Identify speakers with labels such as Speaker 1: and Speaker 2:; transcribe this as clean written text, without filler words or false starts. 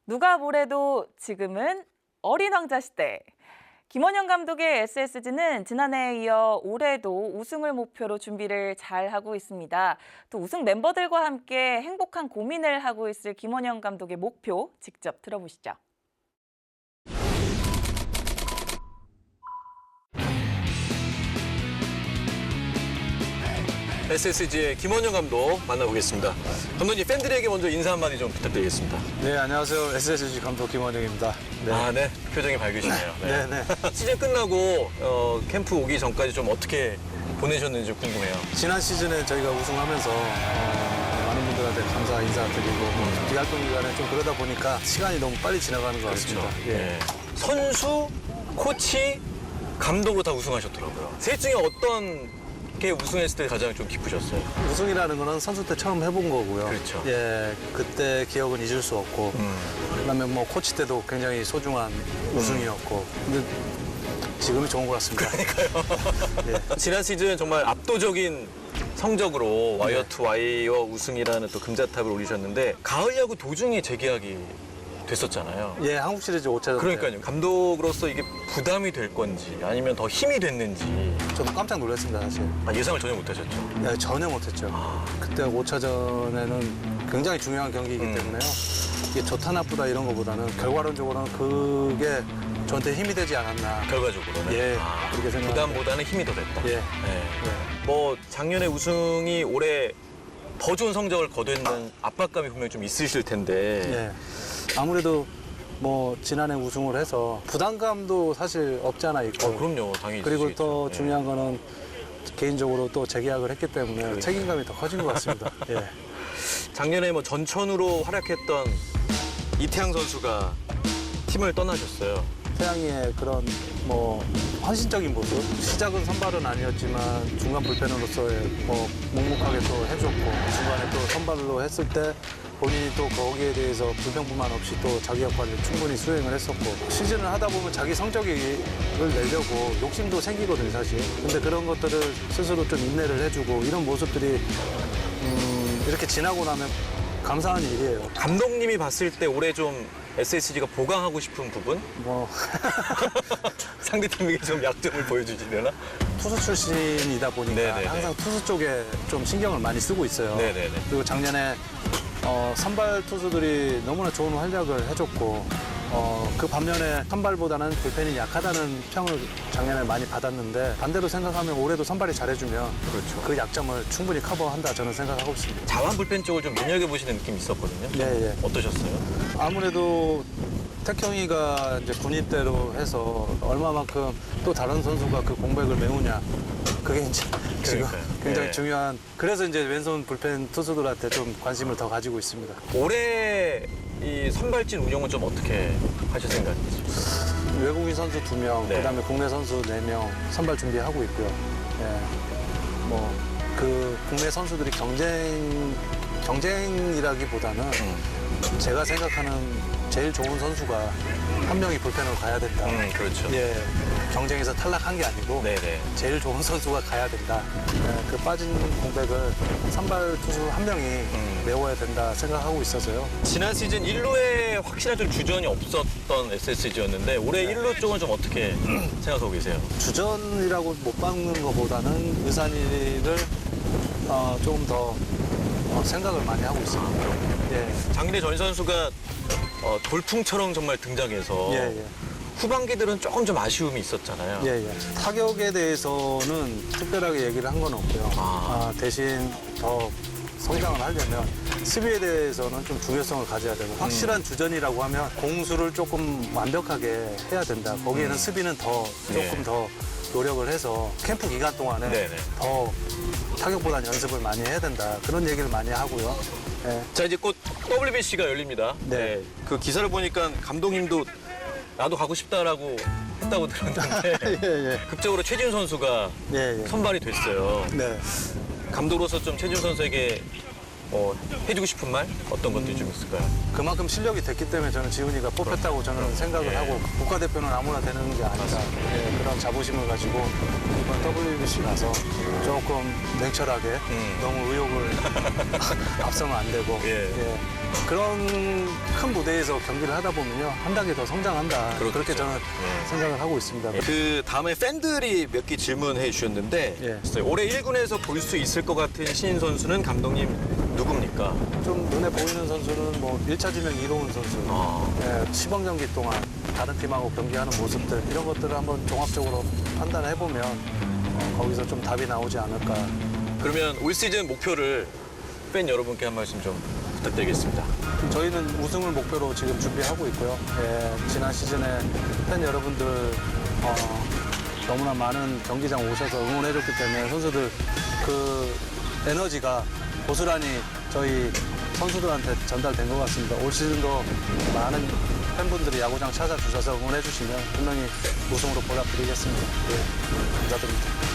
Speaker 1: 누가 뭐래도 지금은 어린 왕자 시대. 김원영 감독의 SSG는 지난해에 이어 올해도 우승을 목표로 준비를 잘 하고 있습니다. 또 우승 멤버들과 함께 행복한 고민을 하고 있을 김원영 감독의 목표 직접 들어보시죠.
Speaker 2: SSG의 김원영 감독 만나보겠습니다. 감독님, 팬들에게 먼저 인사 한마디 좀 부탁드리겠습니다.
Speaker 3: 네, 안녕하세요. SSG 감독 김원영입니다. 네.
Speaker 2: 네. 표정이 밝으시네요.
Speaker 3: 네, 네.
Speaker 2: 시즌 끝나고 캠프 오기 전까지 좀 어떻게 보내셨는지 궁금해요.
Speaker 3: 지난 시즌에 저희가 우승하면서 많은 분들한테 감사 인사드리고 비활동 기간에 좀 그러다 보니까 시간이 너무 빨리 지나가는 것 같습니다. 예.
Speaker 2: 네. 선수, 코치, 감독으로 다 우승하셨더라고요. 셋 중에 어떤 게 우승했을 때 가장 좀 기쁘셨어요?
Speaker 3: 우승이라는 거는 선수 때 처음 해본 거고요.
Speaker 2: 그렇죠.
Speaker 3: 예, 그때 기억은 잊을 수 없고 그다음에 뭐 코치 때도 굉장히 소중한 우승이었고 근데 지금이 좋은 것 같습니다.
Speaker 2: 예. 지난 시즌 정말 압도적인 성적으로 와이어 투 와이어 우승이라는 또 금자탑을 올리셨는데 가을 야구 도중에 재계약이 됐었잖아요.
Speaker 3: 예, 한국 시리즈 5차전
Speaker 2: 그러니까요. 감독으로서 이게 부담이 될 건지 아니면 더 힘이 됐는지
Speaker 3: 저도 깜짝 놀랐습니다, 사실.
Speaker 2: 예상을 전혀 못하셨죠.
Speaker 3: 예, 전혀 못했죠. 그때 5차전에는 굉장히 중요한 경기이기 때문에요. 이게 좋다 나쁘다 이런 것보다는 결과론적으로는 그게 저한테 힘이 되지 않았나.
Speaker 2: 결과적으로는.
Speaker 3: 예, 그렇게 생각합니다.
Speaker 2: 부담보다는 힘이 더 됐다.
Speaker 3: 예.
Speaker 2: 네. 뭐 작년에 우승이 올해 더 좋은 성적을 거두는 압박감이 분명히 좀 있으실 텐데
Speaker 3: 예. 아무래도 뭐 지난해 우승을 해서 부담감도 사실 없지 않아 있고.
Speaker 2: 그럼요. 당연히
Speaker 3: 그리고
Speaker 2: 있으시겠죠.
Speaker 3: 또
Speaker 2: 예.
Speaker 3: 중요한 거는 개인적으로 또 재계약을 했기 때문에 책임감이 더 커진 것 같습니다. 예.
Speaker 2: 작년에 뭐 전천후로 활약했던 이태양 선수가 팀을 떠나셨어요.
Speaker 3: 태양이의 그런 뭐 헌신적인 모습 시작은 선발은 아니었지만 중간 불펜으로서의 뭐 묵묵하게 또 해줬고 중간에 또 선발로 했을 때 본인이 또 거기에 대해서 불평뿐만 없이 또 자기 역할을 충분히 수행을 했었고 시즌을 하다 보면 자기 성적을 내려고 욕심도 생기거든요 사실. 근데 그런 것들을 스스로 좀 인내를 해주고 이런 모습들이 이렇게 지나고 나면 감사한 일이에요.
Speaker 2: 감독님이 봤을 때 올해 좀 SSG가 보강하고 싶은 부분?
Speaker 3: 뭐
Speaker 2: 상대팀에게 좀 약점을 보여주시려나?
Speaker 3: 투수 출신이다 보니까
Speaker 2: 네네네.
Speaker 3: 항상 투수 쪽에 좀 신경을 많이 쓰고 있어요.
Speaker 2: 네네네.
Speaker 3: 그리고 작년에 선발 투수들이 너무나 좋은 활약을 해줬고 그 반면에 선발보다는 불펜이 약하다는 평을 작년에 많이 받았는데 반대로 생각하면 올해도 선발이 잘해주면
Speaker 2: 그렇죠.
Speaker 3: 그 약점을 충분히 커버한다 저는 생각하고 있습니다.
Speaker 2: 자완 불펜 쪽을 좀 눈여겨보시는 느낌이 있었거든요.
Speaker 3: 예, 예.
Speaker 2: 어떠셨어요?
Speaker 3: 아무래도 택형이가 이제 군입 때로 해서 얼마만큼 또 다른 선수가 그 공백을 메우냐 그게 이제 지금
Speaker 2: 그러니까요.
Speaker 3: 굉장히
Speaker 2: 네.
Speaker 3: 중요한 그래서 이제 왼손 불펜 투수들한테 좀 관심을 더 가지고 있습니다.
Speaker 2: 올해 이 선발진 운영은 좀 어떻게 하실 생각이세요?
Speaker 3: 외국인 선수 2명,
Speaker 2: 네.
Speaker 3: 그다음에 국내 선수 4명 선발 준비하고 있고요. 예. 뭐 그 국내 선수들이 경쟁이라기보다는 제가 생각하는 제일 좋은 선수가 한 명이 불펜으로 가야 된다.
Speaker 2: 그렇죠.
Speaker 3: 예. 경쟁에서 탈락한 게 아니고
Speaker 2: 네네.
Speaker 3: 제일 좋은 선수가 가야 된다. 예, 그 빠진 공백을 선발 투수 한 명이 메워야 된다 생각하고 있어서요.
Speaker 2: 지난 시즌 1루에 확실한 좀 주전이 없었던 SSG였는데 올해 1루 쪽은 좀 어떻게 생각하고 계세요?
Speaker 3: 주전이라고 못 박는 것보다는 의산이를 조금 더 생각을 많이 하고 있습니다. 예.
Speaker 2: 작년에 전 선수가 돌풍처럼 정말 등장해서
Speaker 3: 예, 예.
Speaker 2: 후반기들은 조금 좀 아쉬움이 있었잖아요.
Speaker 3: 예, 예. 타격에 대해서는 특별하게 얘기를 한 건 없고요. 대신 더 성장을 하려면 수비에 대해서는 좀 중요성을 가져야 되고 확실한 주전이라고 하면 공수를 조금 완벽하게 해야 된다. 거기에는 수비는 더 조금
Speaker 2: 네.
Speaker 3: 더 노력을 해서 캠프 기간 동안에
Speaker 2: 네네.
Speaker 3: 더 타격보다는 연습을 많이 해야 된다. 그런 얘기를 많이 하고요. 예.
Speaker 2: 자, 이제 곧 WBC가 열립니다.
Speaker 3: 네.
Speaker 2: 그 기사를 보니까 감독님도 나도 가고 싶다라고 했다고 들었는데
Speaker 3: 예, 예.
Speaker 2: 극적으로 최지훈 선수가
Speaker 3: 예, 예.
Speaker 2: 선발이 됐어요.
Speaker 3: 네.
Speaker 2: 감독으로서 좀 최지훈 선수에게 해주고 싶은 말 어떤 것들이 좀 있을까요?
Speaker 3: 그만큼 실력이 됐기 때문에 저는 지훈이가 뽑혔다고 저는 생각을
Speaker 2: 예.
Speaker 3: 하고 국가대표는 아무나 되는 게 아니다. 예, 그런 자부심을 가지고 이번 WBC 가서 조금 냉철하게 너무 의욕을 앞서면 안 되고
Speaker 2: 예.
Speaker 3: 그런 큰 무대에서 경기를 하다 보면요 한 단계 더 성장한다.
Speaker 2: 그렇겠죠.
Speaker 3: 그렇게 저는
Speaker 2: 예.
Speaker 3: 생각을 하고 있습니다.
Speaker 2: 그 다음에 팬들이 몇 개 질문해 주셨는데
Speaker 3: 예.
Speaker 2: 올해 1군에서 볼 수 있을 것 같은 신인 선수는 감독님 누굽니까?
Speaker 3: 좀 눈에 보이는 선수는 뭐 1차 지명 이로운 선수, 예, 시범 경기 동안 다른 팀하고 경기하는 모습들 이런 것들을 한번 종합적으로 판단해 보면 거기서 좀 답이 나오지 않을까.
Speaker 2: 그러면 올 시즌 목표를 팬 여러분께 한 말씀 좀 부탁드리겠습니다.
Speaker 3: 저희는 우승을 목표로 지금 준비하고 있고요. 예, 지난 시즌에 팬 여러분들 너무나 많은 경기장 오셔서 응원해줬기 때문에 선수들 그 에너지가 고스란히 저희 선수들한테 전달된 것 같습니다. 올 시즌도 많은 팬분들이 야구장 찾아주셔서 응원해주시면 분명히 우승으로 보답드리겠습니다. 예, 감사드립니다.